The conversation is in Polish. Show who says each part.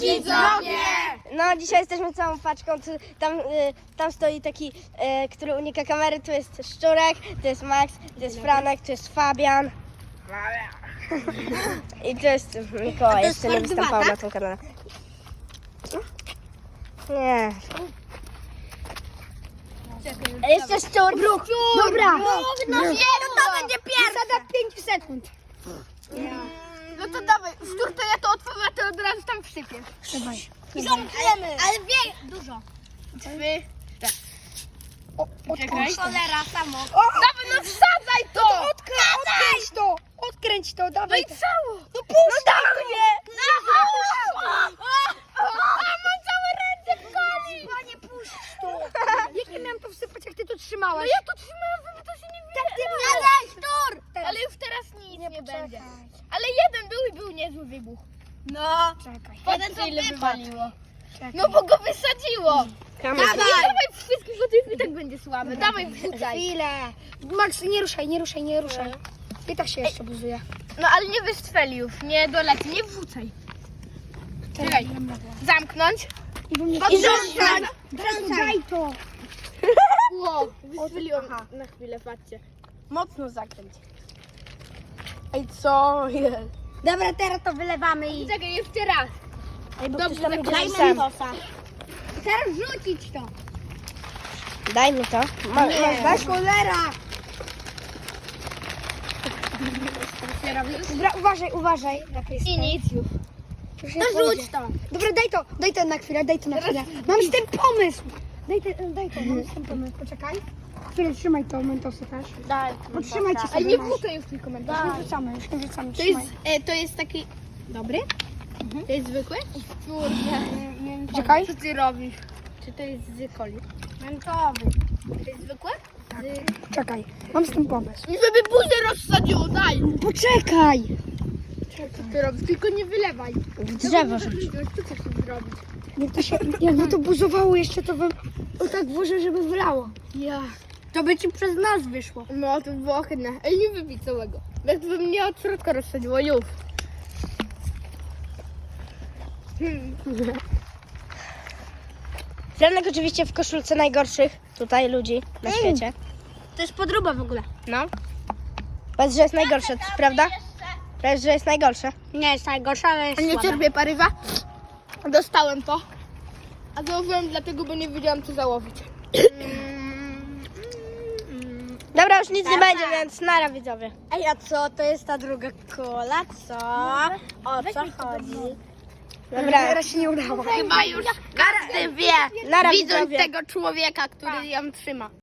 Speaker 1: Widzowie!
Speaker 2: No, dzisiaj jesteśmy całą paczką. Tam stoi taki, który unika kamery. Tu jest Szczurek, tu jest Max, tu jest Franek, tu jest Fabian. I tu jest Mikołaj. Jeszcze nie występował na tym kanale. Nie. Jeszcze Szczur.
Speaker 1: Dobra!
Speaker 2: No to będzie pierwsze.
Speaker 1: Zasada 5 sekund.
Speaker 3: No to dawaj, Szczur, to ja to otworzę, a ty od razu tam wsypiesz.
Speaker 1: Trzymaj.
Speaker 2: I zamkniemy. Ale wie, dużo.
Speaker 3: 3,
Speaker 1: Czekaj.
Speaker 2: Cholera, samo.
Speaker 3: dawaj, no wsadzaj to!
Speaker 1: Odkręć to! Odkręć to,
Speaker 3: No
Speaker 1: dawaj.
Speaker 3: i cało!
Speaker 1: No puść mnie!
Speaker 3: A mam całe ręce w kali!
Speaker 1: Panie, puść to! Jak nie miałem to wsypać, jak ty to trzymałaś?
Speaker 3: No ja to trzymałam, żeby to się nie wydało.
Speaker 2: Dawaj, Szczur.
Speaker 3: Ale już teraz nic nie będzie.
Speaker 1: Czekaj.
Speaker 3: Ale jeden był i był niezły wybuch.
Speaker 2: No.
Speaker 1: Czekaj.
Speaker 3: Patrzcie, ile wywaliło.
Speaker 1: Czekaj.
Speaker 3: No bo go wysadziło.
Speaker 2: Kamerę.
Speaker 3: Dawaj wszystkich, bo to i tak będzie słabe. Dawaj, wrzucaj.
Speaker 1: Chwilę. Max, nie ruszaj, nie ruszaj, nie ruszaj. I tak się jeszcze buzuje.
Speaker 3: No ale nie wystrzeli już, nie doleci, nie wrzucaj. Czekaj, zamknąć.
Speaker 1: I rzucaj! Daj to!
Speaker 3: Ło, wystrzeliłem na chwilę, patrzcie.
Speaker 2: Mocno zakręć. Ej, co jest?
Speaker 1: Dobra, teraz to wylewamy i...
Speaker 3: Czekaj, jeszcze raz.
Speaker 2: Dobrze,
Speaker 3: Dobrze,
Speaker 2: daj
Speaker 3: zakręcam.
Speaker 1: Teraz rzucić to!
Speaker 2: Daj mi to.
Speaker 1: Daj cholera! Dobra, uważaj, uważaj.
Speaker 3: I nic już.
Speaker 1: No rzuć to! Dobra, daj to na chwilę, daj to na chwilę. Mam z tym pomysł! Daj to, mam z tym pomysł, poczekaj. Chwilę, trzymaj to, mentosy też.
Speaker 2: Daj.
Speaker 1: Potrzymajcie
Speaker 3: Ale
Speaker 1: sobie.
Speaker 3: nie
Speaker 1: masz.
Speaker 3: wrzucaj już tylko komentarz.
Speaker 1: Już nie wrzucamy,
Speaker 3: To jest, to jest taki dobry? To jest zwykły? Kurde.
Speaker 1: Czekaj.
Speaker 3: Co ty robisz? Czy to jest z coli?
Speaker 2: Mentowy.
Speaker 3: To jest zwykłe?
Speaker 1: Czekaj, mam z tym pomysł.
Speaker 3: I żeby buzię rozsadziło, daj!
Speaker 1: Poczekaj!
Speaker 3: Co ty robisz? Tylko nie wylewaj.
Speaker 2: W drzewo rzuć.
Speaker 3: Co chcesz zrobić?
Speaker 1: Jakby to buzowało jeszcze, to bym tak włożył, żeby wylało.
Speaker 3: Ja.
Speaker 1: To by ci przez nas wyszło.
Speaker 3: No to było ohydne. Ej, nie wypij całego. Jakby mnie od środka rozsadziło, już.
Speaker 2: Franek oczywiście w koszulce najgorszych tutaj ludzi na świecie.
Speaker 1: To jest podróba w ogóle.
Speaker 2: No. Powiedz, że jest najgorsze, prawda? Powiedz, że jest najgorsze.
Speaker 1: Nie jest najgorsza, ale jest
Speaker 3: A nie
Speaker 1: słabe.
Speaker 3: cierpię parywa. Dostałem to. A założyłem dlatego, bo nie wiedziałam co założyć.
Speaker 2: Dobra, już nic nie będzie, więc nara widzowie.
Speaker 1: Ej, a co? To jest ta druga kola, co? O co chodzi?
Speaker 2: Dobra,
Speaker 1: Teraz się nie udało.
Speaker 3: Chyba już każdy wie,
Speaker 2: nara
Speaker 3: widząc
Speaker 2: widzowie.
Speaker 3: tego człowieka, który ją trzyma.